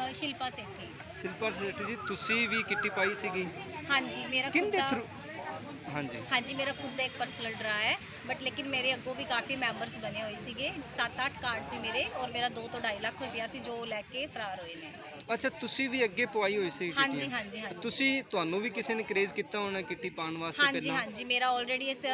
शिल्पा सेठी। शिल्पा सेठी जी, तुसी भी किट्टी पाई सीगी? हाँ जी, मेरा खुद किंदे दा थ्रू? हाँ जी। हाँ जी, मेरा खुद ਦਾ ਇੱਕ ਪਰਸਨਲ ਡਰਾ ਹੈ, ਬਟ ਲੇਕਿਨ ਮੇਰੇ ਅੱਗੋਂ ਵੀ ਕਾਫੀ ਮੈਂਬਰਸ ਬਣੇ ਹੋਏ ਸੀਗੇ। 7-8 ਕਾਰਡ ਸੀ ਮੇਰੇ, ਔਰ ਮੇਰਾ 2 ਤੋਂ 2.5 ਲੱਖ ਰੁਪਇਆ ਸੀ ਜੋ ਲੈ ਕੇ ਫਰਾਰ ਹੋਏ ਨੇ। ਅੱਛਾ, ਤੁਸੀਂ ਵੀ ਅੱਗੇ ਪਵਾਈ ਹੋਈ ਸੀ ਹਾਂਜੀ ਕਿੱਟੀਆਂ? ਹਾਂਜੀ ਹਾਂਜੀ। ਤੁਸੀਂ ਤੁਹਾਨੂੰ ਵੀ ਕਿਸੇ ਨੇ ਕਰੇਜ਼ ਕੀਤਾ ਹੋਣਾ ਕਿੱਟੀ ਪਾਉਣ ਵਾਸਤੇ ਹਾਂਜੀ ਪਹਿਲਾਂ? ਹਾਂਜੀ, ਮੇਰਾ ਆਲਰੇਡੀ ਇਸ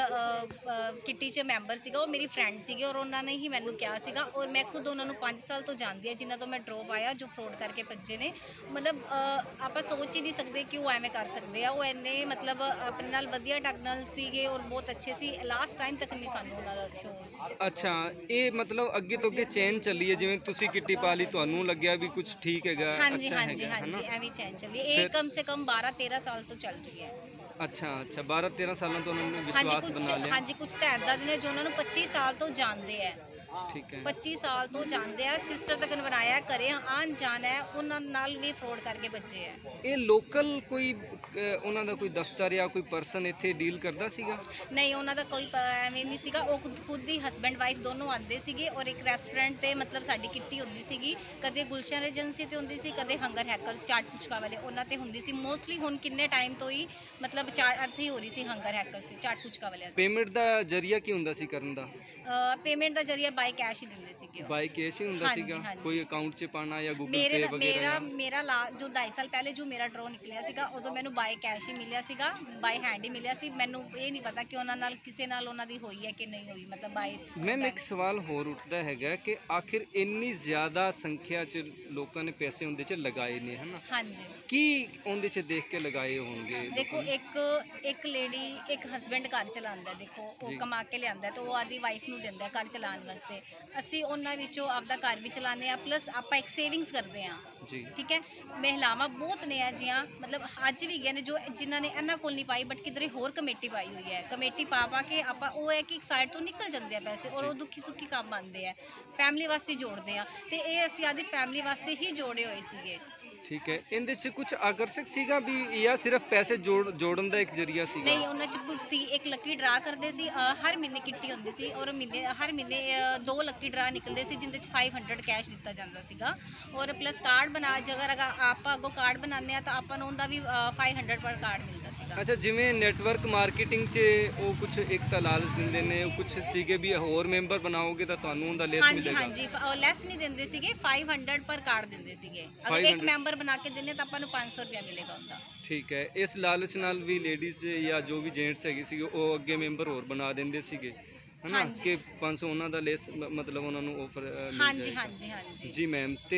ਕਿੱਟੀ 'ਚ ਮੈਂਬਰ ਸੀਗਾ, ਉਹ ਮੇਰੀ ਫਰੈਂਡ ਸੀਗੇ ਔਰ ਉਹਨਾਂ ਨੇ ਹੀ ਮੈਨੂੰ ਕਿਹਾ ਸੀਗਾ, ਔਰ ਮੈਂ ਖੁਦ ਉਹਨਾਂ ਨੂੰ 5 ਸਾਲ ਤੋਂ ਜਾਣਦੀ ਹਾਂ, ਜਿਨ੍ਹਾਂ ਤੋਂ ਮੈਂ ਡਰੋਪ ਆਇਆ, ਜੋ ਫਰੋਡ ਕਰਕੇ ਭੱਜੇ ਨੇ। ਮਤਲਬ ਆਪਾਂ ਸੋਚ ਹੀ ਨਹੀਂ ਸਕਦੇ ਕਿ ਉਹ ਐਵੇਂ ਕਰ ਸਕਦੇ ਆ। ਉਹ ਇੰਨੇ ਮਤਲਬ ਆਪਣੇ ਨਾਲ ਵਧੀਆ ਢੰਗ ਨਾਲ ਸੀਗੇ ਔਰ ਬਹੁਤ ਅੱਛੇ ਸੀ। ਲਾਸਟ ਟਾਈਮ ਤੱਕ ਨਹੀਂ ਸਾਨੂੰ ਉਹਨਾਂ ਦਾ ਸ਼ੋਅ। ਅੱਛਾ, ਇਹ ਮਤਲਬ ਅੱਗੇ ਤੋਂ ਅੱਗੇ ਚੇਂਜ ਚੱਲੀ ਹੈ, ਜਿਵੇਂ ਤੁਸੀਂ ਕਿੱਟੀ ਪਾ ਲਈ, ਤੁਹਾਨੂੰ ਲੱਗਿਆ ਵੀ ਕੁਝ ਠੀਕ ਹੈਗਾ, ਹਾਂਜੀ ਅੱਛਾ ਹਾਂਜੀ ਹੈਗਾ, ਹਾਂਜੀ, ਹਨਾ? ਐਵੇਂ ਚੈਨ ਚੱਲੀ। ਇਹ ਕਮ ਸੇ ਕਮ 12-13 ਸਾਲ ਤੋਂ ਚੱਲ ਰਹੀ ਹੈ। ਅੱਛਾ ਅੱਛਾ, 12-13 ਸਾਲਾਂ ਤੋਂ ਉਹਨਾਂ ਨੇ ਹਾਂਜੀ ਵਿਸ਼ਵਾਸ ਕੁਝ, ਬਣਾ ਲਿਆ। ਹਾਂਜੀ ਕੁਝ ਤਾਂ ਇੱਦਾਂ ਦੇ ਨੇ ਜੋ ਉਹਨਾਂ ਨੂੰ 25 ਸਾਲ ਤੋਂ ਜਾਣਦੇ ਹੈ। ਠੀਕ ਹੈ। 25 ਸਾਲ ਤੋਂ ਜਾਣਦੇ ਆ, ਸਿਸਟਰ ਤੱਕ ਬਣਾਇਆ, ਘਰੇ ਆਣ ਜਾਣ ਹੈ, ਉਹਨਾਂ ਨਾਲ ਵੀ ਫਰੋਡ ਕਰਕੇ ਬੱਚੇ ਹੈ। ਇਹ ਲੋਕਲ ਕੋਈ ਉਹਨਾਂ ਦਾ ਕੋਈ ਦਫ਼ਤਰ ਜਾਂ ਕੋਈ ਪਰਸਨ ਇੱਥੇ ਡੀਲ ਕਰਦਾ ਸੀਗਾ? ਨਹੀਂ, ਉਹਨਾਂ ਦਾ ਕੋਈ ਐਵੇਂ ਨਹੀਂ ਸੀਗਾ। ਉਹ ਖੁਦ ਹੀ ਹਸਬੈਂਡ ਵਾਈਫ ਦੋਨੋਂ ਆਉਂਦੇ ਸੀਗੇ, ਔਰ ਇੱਕ ਰੈਸਟੋਰੈਂਟ ਤੇ ਮਤਲਬ ਸਾਡੀ ਕਿੱਟੀ ਹੁੰਦੀ ਸੀਗੀ। ਕਦੇ ਗੁਲਸ਼ਨ ਏਜੰਸੀ ਤੇ ਹੁੰਦੀ ਸੀ, ਕਦੇ ਹੰਗਰ ਹੈਕਰਸ ਚਾਟ ਪੁਚਕਾ ਵਾਲੇ, ਉਹਨਾਂ ਤੇ ਹੁੰਦੀ ਸੀ ਮੋਸਟਲੀ। ਹੁਣ ਕਿੰਨੇ ਟਾਈਮ ਤੋਂ ਹੀ ਮਤਲਬ ਇੱਥੇ ਹੀ ਹੋ ਰਹੀ ਸੀ, ਹੰਗਰ ਹੈਕਰਸ ਤੇ ਚਾਟ ਪੁਚਕਾ ਵਾਲਿਆਂ ਦੀ। ਪੇਮੈਂਟ ਦਾ ਜ਼ਰੀਆ ਕੀ ਹੁੰਦਾ ਸੀ ਕਰਨ ਦਾ? ਪੇਮੈਂਟ ਦਾ ਜ਼ਰੀਆ ਬਾਈ ਕੈਸ਼ ਹੀ ਦਿੰਦੇ ਸੀਗੇ ਉਹ। ਬਾਈ ਕੈਸ਼ ਹੀ ਹੁੰਦਾ ਹਾਂਜੀ, ਸੀਗਾ? ਹਾਂਜੀ। ਕੋਈ ਅਕਾਊਂਟ 'ਚ ਪਾਣਾ ਜਾਂ ਗੂਗਲ ਮੇਰੇ ਪੇ ਵਗੈਰਾ? ਮੇਰਾ ਜੋ 2.5 ਸਾਲ ਪਹਿਲੇ ਜੋ ਮੇਰਾ ਡਰੋ ਨਿਕਲਿਆ ਸੀਗਾ, ਉਦੋਂ ਮੈਨੂੰ ਬਾਈ ਕੈਸ਼ ਹੀ ਮਿਲਿਆ ਸੀਗਾ, ਬਾਈ ਹੈਂਡ ਹੀ ਮਿਲਿਆ ਸੀ। ਮੈਨੂੰ ਇਹ ਨਹੀਂ ਪਤਾ ਕਿ ਉਹਨਾਂ ਨਾਲ ਕਿਸੇ ਨਾਲ ਉਹਨਾਂ ਦੀ ਹੋਈ ਹੈ ਕਿ ਨਹੀਂ ਹੋਈ, ਮਤਲਬ ਬਾਈ। ਮੈਮ, ਇੱਕ ਸਵਾਲ ਹੋਰ ਉੱਠਦਾ ਹੈਗਾ ਕਿ ਆਖਿਰ ਇੰਨੀ ਜ਼ਿਆਦਾ ਸੰਖਿਆ 'ਚ ਲੋਕਾਂ ਨੇ ਪੈਸੇ ਉਹਦੇ 'ਚ ਲਗਾਏ ਨੇ, ਹਨਾ? ਹਾਂਜੀ, ਕੀ ਉਹਦੇ 'ਚ ਦੇਖ ਕੇ ਲਗਾਏ ਹੋਣਗੇ ਦੇਖੋ ਲੋਕਾਂ ਨੇ? ਇੱਕ ਲੇਡੀ, ਇੱਕ ਹਸਬੈਂਡ ਘਰ ਚਲਾਉਂਦਾ, ਦੇਖੋ ਉਹ ਜੀ। ਕਮਾ ਕੇ ਲਿਆਂਦਾ ਤੇ ਉਹ ਆਦੀ ਵਾਈਫ ਨੂੰ ਦਿੰਦਾ ਘਰ ਚਲਾਉਣ ਵਾਸਤੇ। ਅਸੀਂ ਉਹਨਾਂ ਵਿੱਚੋਂ ਆਪਦਾ ਘਰ ਵੀ ਚਲਾਉਂਦੇ ਆ, ਪਲੱਸ ਆਪਾਂ ਇੱਕ ਸੇਵਿੰਗਸ ਕਰਦੇ ਆ। ਜੀ। ਠੀਕ ਹੈ, ਮਹਿਲਾਵਾਂ ਬਹੁਤ ਨੇ ਆ ਜੀਆਂ, ਮਤਲਬ ਅੱਜ ਵੀ ਗਏ ਨੇ ਜੋ ਜਿਨ੍ਹਾਂ ਨੇ ਇਹਨਾਂ ਕੋਲ ਨਹੀਂ ਪਾਈ, ਬਟ ਕਿਧਰੇ ਹੋਰ ਕਮੇਟੀ ਪਾਈ ਹੋਈ ਹੈ। ਕਮੇਟੀ ਪਾ ਕੇ ਆਪਾਂ ਉਹ ਹੈ ਕਿ ਇੱਕ ਸਾਈਡ ਤੋਂ ਨਿਕਲ ਜਾਂਦੇ ਆ ਪੈਸੇ, ਔਰ ਉਹ ਦੁੱਖੀ ਸੁੱਖੀ ਕੰਮ ਆਉਂਦੇ ਆ, ਫੈਮਿਲੀ ਵਾਸਤੇ ਜੋੜਦੇ ਆ। ਤੇ ਇਹ ਅਸੀਂ ਆਦੀ ਫੈਮਿਲੀ ਵਾਸਤੇ ਹੀ ਜੋੜੇ ਹੋਏ ਸੀਗੇ। ਠੀਕ ਹੈ, ਇਹਦੇ 'ਚ ਕੁਝ ਆਕਰਸ਼ਕ ਸੀਗਾ ਵੀ ਜਾਂ ਸਿਰਫ ਪੈਸੇ ਜੋੜਨ ਦਾ ਇੱਕ ਜ਼ਰੀਆ ਸੀਗਾ? ਨਹੀਂ, ਉਹਨਾਂ 'ਚ ਕੁਝ ਸੀ। ਇੱਕ ਲੱਕੀ ਡਰਾ ਕਰਦੇ ਸੀ, ਹਰ ਮਹੀਨੇ ਕਿੱਟੀ ਹੁੰਦੀ ਸੀ, ਔਰ ਹਰ ਮਹੀਨੇ 2 ਲੱਕੀ ਡਰਾ ਨਿਕਲਦੇ ਸੀ, ਜਿੰਦੇ 'ਚ 500 ਕੈਸ਼ ਦਿੱਤਾ ਜਾਂਦਾ ਸੀਗਾ। ਔਰ ਪਲੱਸ ਕਾਰਡ ਬਣਾ, ਅਗਰ ਆਪਾਂ ਅੱਗੋਂ ਕਾਰਡ ਬਣਾਉਂਦੇ ਆ ਤਾਂ ਆਪਾਂ ਨੂੰ ਉਹਦਾ ਵੀ 500 ਪਰ ਕਾਰਡ ਮਿਲਦਾ ਸੀਗਾ। ਅੱਛਾ, ਜਿਵੇਂ ਨੈਟਵਰਕ ਮਾਰਕੀਟਿੰਗ 'ਚ ਉਹ ਕੁਝ ਇੱਕ ਤਾਂ ਲਾਲਚ ਦਿੰਦੇ ਨੇ, ਉਹ ਕੁਝ ਸੀਗੇ ਵੀ ਹੋਰ ਮੈਂਬਰ ਬਣਾਓਗੇ ਤਾਂ ਤੁਹਾਨੂੰ ਉਹਦਾ ਲੈਸ ਮਿਲੇਗਾ? ਹਾਂਜੀ, ਲੈਸ ਨਹੀਂ ਦਿੰਦੇ ਸੀਗੇ, 500 ਪਰ ਕਾਰਡ ਦਿੰਦੇ ਸੀਗੇ। ਅਗਰ ਇੱਕ ਮੈਂਬਰ ਬਣਾ ਕੇ ਦਿੰਦੇ ਤਾਂ ਆਪਾਂ ਨੂੰ 500 ਰੁਪਇਆ ਮਿਲੇਗਾ ਉਹਦਾ। ਠੀਕ ਹੈ, ਇਸ ਲਾਲਚ ਨਾਲ ਵੀ ਲੇਡੀਜ਼ ਜਾਂ ਜੋ ਵੀ ਜੈਂਟਸ ਹੈਗੇ ਸੀਗੇ ਉਹ ਅੱਗੇ ਮੈਂਬਰ ਹੋਰ ਬਣਾ ਦਿੰਦੇ ਸੀਗੇ, ਹਨਾ? ਕਿ 500 ਉਹਨਾਂ ਦਾ ਲੈਸ ਮਤਲਬ ਉਹਨਾਂ ਨੂੰ ਆਫਰ ਮਿਲ ਹਾਂਜੀ ਜਾਏਗਾ। ਹਾਂਜੀ ਹਾਂਜੀ ਜੀ ਮੈਮ, ਤੇ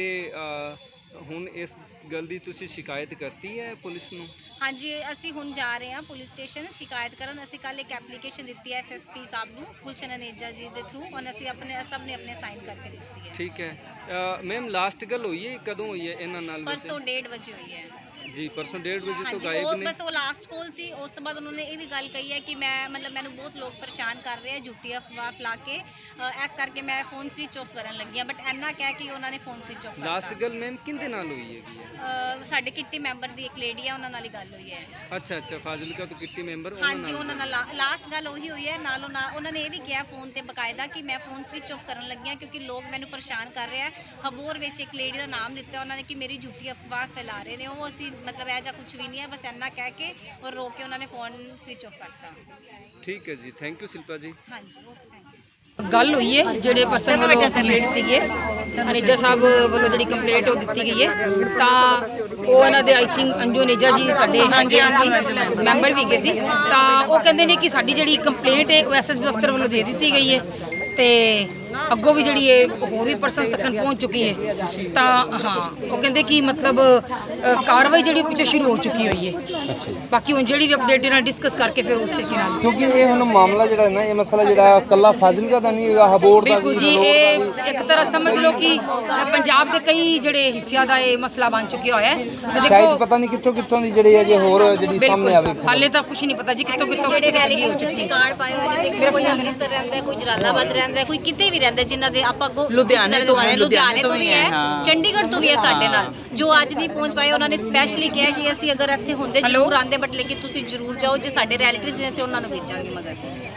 ਹੁਣ ਇਸ ਗੱਲ ਦੀ ਤੁਸੀਂ ਸ਼ਿਕਾਇਤ ਕਰਤੀ ਹੈ ਪੁਲਿਸ ਨੂੰ? ਹਾਂਜੀ, ਅਸੀਂ ਹੁਣ ਜਾ ਰਹੇ ਹਾਂ ਪੁਲਿਸ ਸਟੇਸ਼ਨ ਸ਼ਿਕਾਇਤ ਕਰਨ। ਅਸੀਂ ਕੱਲ ਇੱਕ ਐਪਲੀਕੇਸ਼ਨ ਦਿੱਤੀ ਹੈ SSP ਸਾਹਿਬ ਨੂੰ, ਗੁਲਸ਼ਨ ਅਨੇਜਾ ਜੀ ਦੇ ਥਰੂ, ਔਰ ਅਸੀਂ ਸਭ ਨੇ ਆਪਣੇ ਸਾਈਨ ਕਰਕੇ ਦਿੱਤੀ ਹੈ। ਠੀਕ ਹੈ ਮੈਮ, ਲਾਸਟ ਗੱਲ ਹੋਈ ਹੈ ਕਦੋਂ ਹੋਈ ਹੈ ਇਹਨਾਂ ਨਾਲ? ਪਰਸੋਂ 1:30 ਵਜੇ ਹੋਈ ਹੈ ਜੀ, ਪਰਸੋਂ 1:30 ਵਜੇ ਤੋਂ ਹਾਂਜੀ, ਗਾਇਬ ਉਹ ਨੇ? ਬਸ ਉਹ ਲਾਸਟ ਕਾਲ ਸੀ। ਉਸ ਤੋਂ ਬਾਅਦ ਉਹਨਾਂ ਨੇ ਇਹ ਵੀ ਗੱਲ ਕਹੀ ਹੈ ਕਿ ਮੈਂ ਮਤਲਬ ਮੈਨੂੰ ਬਹੁਤ ਲੋਕ ਪਰੇਸ਼ਾਨ ਕਰ ਰਹੇ ਆ, ਝੂਠੀ ਅਫਵਾਹ ਫੈਲਾ ਕੇ, ਇਸ ਕਰਕੇ ਮੈਂ ਫੋਨ ਸਵਿਚ ਆਫ ਕਰਨ ਲੱਗੀ ਹਾਂ। ਬਟ ਇੰਨਾ ਕਹਿ ਕਿ ਉਹਨਾਂ ਨੇ ਫੋਨ ਸਵਿਚ ਆਫ ਕਰਤਾ। ਲਾਸਟ ਗੱਲ ਮੈਮ ਕਿਹਦੇ ਨਾਲ ਹੋਈ ਹੈਗੀ ਹੈ? ਸਾਡੇ ਕਿੱਟੀ ਮੈਂਬਰ ਦੀ ਇੱਕ ਲੇਡੀ ਆ, ਉਹਨਾਂ ਨਾਲ ਹੀ ਗੱਲ ਹੋਈ ਹੈ। ਅੱਛਾ ਅੱਛਾ, ਫਾਜ਼ਿਲਕਾ ਤੋਂ ਕਿੱਟੀ ਮੈਂਬਰ? ਹਾਂਜੀ, ਉਹਨਾਂ ਨਾਲ ਲਾਸਟ ਗੱਲ ਉਹੀ ਹੋਈ ਹੈ। ਨਾਲੋਂ ਨਾਲ ਉਹਨਾਂ ਨੇ ਇਹ ਵੀ ਕਿਹਾ ਫੋਨ ਤੇ ਬਕਾਇਦਾ ਕਿ ਮੈਂ ਫੋਨ ਸਵਿਚ ਆਫ ਕਰਨ ਲੱਗੀ ਹਾਂ ਕਿਉਂਕਿ ਲੋਕ ਮੈਨੂੰ ਪਰੇਸ਼ਾਨ ਕਰ ਰਹੇ ਆ। ਹਬੋਰ ਵਿੱਚ ਇੱਕ ਲੇਡੀ ਦਾ ਨਾਮ ਦਿੱਤਾ ਉਹਨਾਂ ਨੇ ਕਿ ਮੇਰੀ ਝੂਠੀ ਅਫਵਾਹ ਫੈਲਾ ਰਹੇ ਨੇ ਉਹ। ਅਸੀਂ ਮਤਲਬ ਇਹ ਜਿਹਾ ਕੁਝ ਵੀ ਨਹੀਂ ਹੈ, ਬਸ ਇੰਨਾ ਕਹਿ ਕੇ ਔਰ ਰੋ ਕੇ ਉਹਨਾਂ ਨੇ ਫੋਨ ਸਵਿਚ ਆਫ ਕਰਤਾ। ਠੀਕ ਹੈ ਜੀ, ਥੈਂਕ ਯੂ शिल्पा जी। ਹਾਂਜੀ, ਓਕੇ, ਥੈਂਕ ਯੂ। ਗੱਲ ਹੋਈ ਹੈ ਜਿਹੜੇ ਪਰਸਨ ਵੱਲੋਂ ਕੰਪਲੇਂਟ ਦਿੱਤੀ ਹੈ, ਅਨੇਜਾ ਸਾਹਿਬ ਵੱਲੋਂ ਜਿਹੜੀ ਕੰਪਲੇਂਟ ਉਹ ਦਿੱਤੀ ਗਈ ਹੈ, ਤਾਂ ਉਹ ਇਹਨਾਂ ਦੇ ਆਈ ਥਿੰਕ ਅੰਜੂ ਅਨੇਜਾ ਜੀ ਤੁਹਾਡੇ ਹੈਗੇ ਸੀ, ਮੈਂਬਰ ਵੀ ਹੈਗੇ ਸੀ। ਤਾਂ ਉਹ ਕਹਿੰਦੇ ਨੇ ਕਿ ਸਾਡੀ ਜਿਹੜੀ ਕੰਪਲੇਂਟ ਹੈ ਉਹ ਐਸਐਸਪੀ ਦਫ਼ਤਰ ਵੱਲੋਂ ਦੇ ਦਿੱਤੀ ਗਈ ਹੈ ਤੇ ਅੱਗੋਂ ਵੀ ਜਿਹੜੀ ਹੈ ਹੋਰ ਵੀ ਪਰਸਨ ਤੱਕ ਪਹੁੰਚ ਚੁੱਕੀ ਹੈ। ਤਾਂ ਹਾਂ, ਉਹ ਕਹਿੰਦੇ ਕਿ ਮਤਲਬ ਕਾਰਵਾਈ ਜਿਹੜੀ ਪਿੱਛੇ ਸ਼ੁਰੂ ਹੋ ਚੁੱਕੀ ਹੋਈ ਹੈ। ਬਾਕੀ ਹੁਣ ਜਿਹੜੀ ਵੀ ਅਪਡੇਟ ਇਹਨਾਂ ਡਿਸਕਸ ਕਰਕੇ ਫਿਰ ਉਸ ਤਰੀਕੇ ਨਾਲ, ਕਿਉਂਕਿ ਇਹ ਹੁਣ ਮਾਮਲਾ ਜਿਹੜਾ ਨਾ, ਇਹ ਮਸਲਾ ਜਿਹੜਾ ਕੱਲਾ ਫਾਜ਼ਿਲਕਾ ਦਾ ਨਹੀਂ ਹੈਗਾ, ਹਬੋਰ ਦਾ ਵੀ, ਬਿਲਕੁਲ ਜੀ, ਇਹ ਇੱਕ ਤਰ੍ਹਾਂ ਸਮਝ ਲਓ ਕਿ ਪੰਜਾਬ ਦੇ ਕਈ ਜਿਹੜੇ ਹਿੱਸਿਆਂ ਦਾ ਇਹ ਮਸਲਾ ਬਣ ਚੁੱਕਿਆ ਹੋਇਆ ਹੈ। ਸ਼ਾਇਦ ਪਤਾ ਨਹੀਂ ਕਿੱਥੋਂ ਦੀ ਜਿਹੜੀ ਹੈਗੀ ਹੋਰ ਜਿਹੜੀ ਸਾਹਮਣੇ ਆਵੇ। ਹਾਲੇ ਤਾਂ ਕੁਝ ਨਹੀਂ ਪਤਾ ਜੀ ਕਿੱਥੋਂ ਜਿਹੜੇ ਰੈਲੀਟਿਵਸ ਦੇ ਕਾਰਡ ਪਾਏ ਹੋਏ ਨੇ, ਦੇਖੋ ਕੋਈ ਅੰਮ੍ਰਿਤਸਰ ਰਹਿੰਦਾ, ਕੋਈ ਜਲਾਲਾਬਾਦ ਰਹਿੰਦਾ, ਕੋਈ ਕਿਤੇ ਵੀ ਰਹਿੰਦਾ, ਜਿਨ੍ਹਾਂ ਦੇ ਆਪਾਂ ਲੁਧਿਆਣੇ ਤੋਂ ਵੀ ਹੈ, ਚੰਡੀਗੜ੍ਹ ਤੋਂ ਵੀ ਹੈ ਸਾਡੇ ਨਾਲ, ਜੋ ਅੱਜ ਨਹੀਂ ਪਹੁੰਚ ਪਾਏ। ਉਹਨਾਂ ਨੇ ਸਪੈਸ਼ਲੀ ਕਿਹਾ ਕਿ ਅਸੀਂ ਅਗਰ ਇੱਥੇ ਹੁੰਦੇ ਜ਼ਰੂਰ ਆਉਂਦੇ, ਬਟ ਲੇਕਿਨ ਤੁਸੀਂ ਜ਼ਰੂਰ ਜਾਓ, ਜੇ ਸਾਡੇ ਰੈਲੀਟਿਵਸ ਨੇ ਅਸੀਂ ਉਹਨਾਂ ਨੂੰ ਭੇਜਾਂਗੇ ਮਗਰ।